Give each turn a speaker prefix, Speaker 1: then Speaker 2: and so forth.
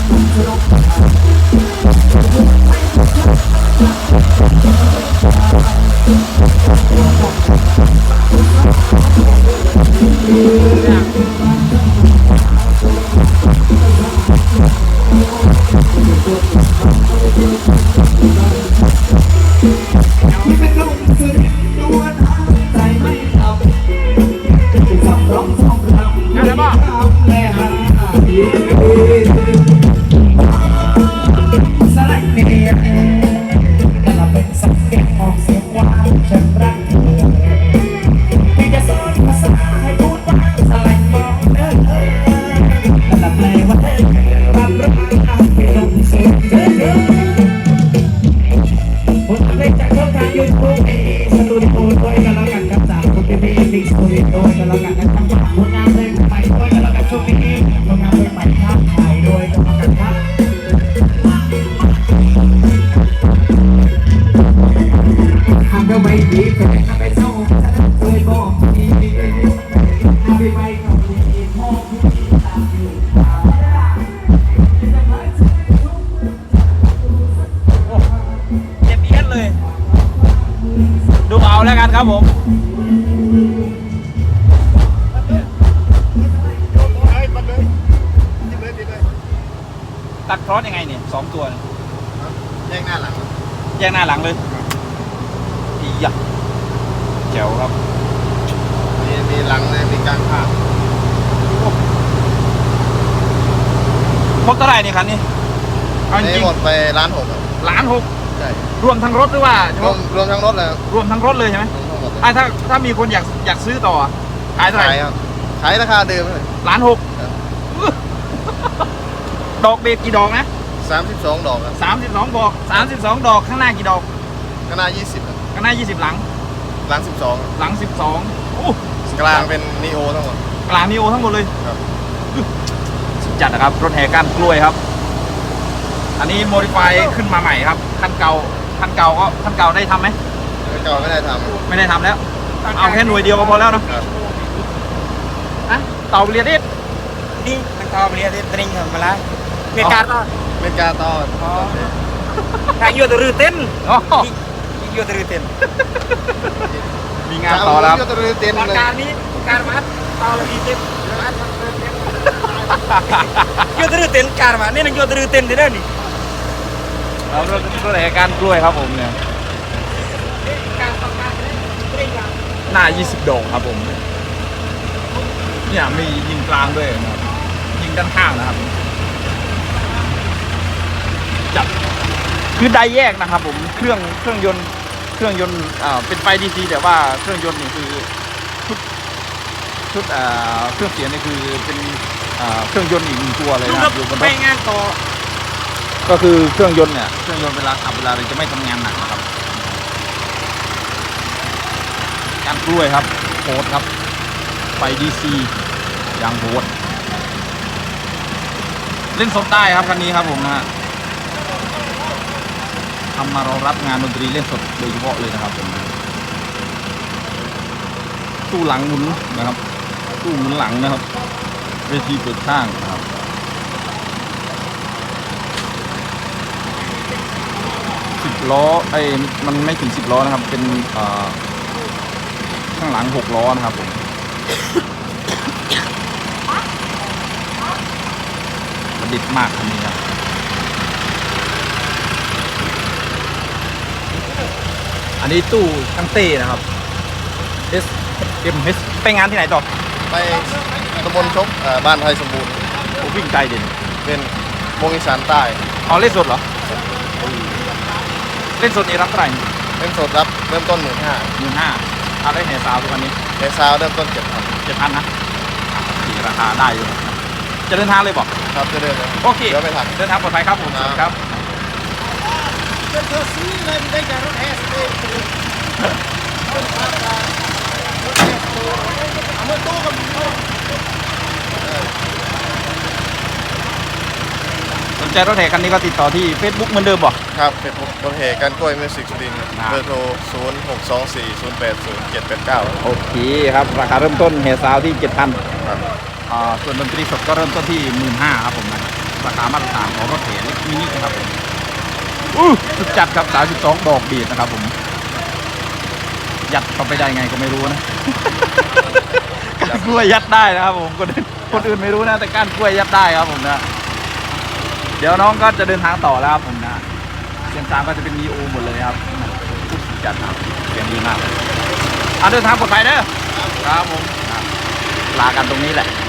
Speaker 1: ดูเอาแล้วกันครับผมตัดครอสยังไงเนี่ย2 ตัว
Speaker 2: แยกหน้าหลัง
Speaker 1: เลยอีหยะแจ๋วครับ
Speaker 2: มีหลังเลยมีกลางข้าง
Speaker 1: ครบเท่าไหร่นี่คันนี้
Speaker 2: เอาจริงหมดไป1,600,000
Speaker 1: 1,600,000
Speaker 2: ใช่
Speaker 1: รวมทั้งรถหรือว่าร
Speaker 2: วมทั้งรถเลย
Speaker 1: รวมทั้งรถเลยใช่ไหมถ้ามีคนอยากซื้อต่อขายเท่าไหร่
Speaker 2: ขายราคาเดิมเลย
Speaker 1: 1,600,000ดอกเบรกกี่ดอกนะ
Speaker 2: 32 ดอกครับ
Speaker 1: 32 ดอก32 ดอกข้างหน้ากี่ดอก
Speaker 2: ข้างหน้า20
Speaker 1: ข้างหน้า20หลัง
Speaker 2: 12
Speaker 1: หลัง12โอ้
Speaker 2: กลางเป็นนีโอทั้งหมด
Speaker 1: กลางนีโอทั้งหมดเลย
Speaker 2: ครับ
Speaker 1: สุดจัดนะครับรถแห่ก้านกล้วยครับอันนี้โมดิฟายขึ้นมาใหม่ครับคันเก่าได้ทำไหม
Speaker 2: คันเก่าไม่ได้ท
Speaker 1: ำแล้วเอาแค่หน่วยเดียวก็พอแล้วเนาะเต่าเรียด
Speaker 3: นี่มันก็เรียกตริงเหรอมาแล้วเมกาต่อถ้าโยตรือเต้นโยตรือเต้น
Speaker 1: มีงานต่อแล้ว
Speaker 2: โยตรือเต้นเลย
Speaker 3: การนี้การมัดต่อเลยเต้นโยตรือเต้นการมัดนี่นั่งโยตรือเต้นได้แล้วนี่
Speaker 1: เรารถแห่ก้านกล้วยครับผมเนี่ยหน้า20 ดอกครับผมเนี่ยมียิงกลางด้วยนะครับยิงด้านข้างนะครับจับคือไดแยกนะครับผมเครื่องยนต์เป็นไฟดีซีแต่ว่าเครื่องยนต์นี่คือชุดเครื่องเสียงนี่คือเป็นเครื่องยนต์อีก1 ตัวเลยนะครับอยู่บนรถ
Speaker 3: ไปงานต่อ
Speaker 1: ก็คือเครื่องยนต์เวลาขับเวลาเราจะไม่ทำงานหนักนะครับการกล้วยครับโหดครับไฟดีซีอย่างโหดเล่นสดได้ครับคันนี้ครับผมนะฮะทำมารองรับงานดนตรีเล่นสดโดยเฉพาะเลยนะครับผมตู้หลังหมุนนะครับตู้หมุนหลังนะครับเวทีเปิดข้างนะครับ10 ล้อมันไม่ถึง10 ล้อนะครับเป็นข้างหลัง6 ล้อนะครับผมประดิษฐ์มากคันนี้ครับอันนี้ตู้ตั้งเต้นะครับ SMS ไปงานที่ไหนต่อ
Speaker 2: ไปตำบลชกบ้านไทยสมบูรณ์
Speaker 1: วิ่งไกลเด่น
Speaker 2: เป็นวงอีสานใต้
Speaker 1: เล่นสดเหรอเล่นสดนี่รับเท่าไหร่
Speaker 2: เล่นสดรับเริ่มต้น
Speaker 1: 15,000เอาได้แห่ซาวทุกวันนี้
Speaker 2: แห่ซาวเริ่มต้น
Speaker 1: 7,000นะราคาได้อยู่จะเดินทางเลยบอก
Speaker 2: ครับจะเดินเลย
Speaker 1: โอเค
Speaker 2: เดี๋ยวไปทัน
Speaker 1: เดินทางปลอดภัยครับผมครับสนใจรถแห่คันนี้ก็ติดต่อที่ Facebook เหมือนเดิมบอก
Speaker 2: ครับ Facebook รถแห่ก้านกล้วยมิวสิกสุรินทร์เบอร์โทร0624080789
Speaker 1: โอเคครับราคาเริ่มต้นแห่ซาวที่ 7,000ครับส่วนดนตรีสดก็เริ่มต้นที่ 15,000ครับผมนะราคามาตรฐานของรถเข็นมินินะครับผมสุดจัดครับ32ดอกบีดนะครับผมยัดเข้าไปได้ไงก็ไม่รู้นะ ก้านกล้วยยัดได้นะครับผมคนอื่นไม่รู้นะแต่ก้านกล้วยยัดได้ครับผมนะเดี๋ยวน้องก็จะเดินทางต่อแล้วครับผมนะเสียงซามก็จะเป็นมีโอหมดเลยครับสุดจัดครับเสียงดีมากเลยเดินทางปลอดภัยเด้อครับผมลากันตรงนี้แหละ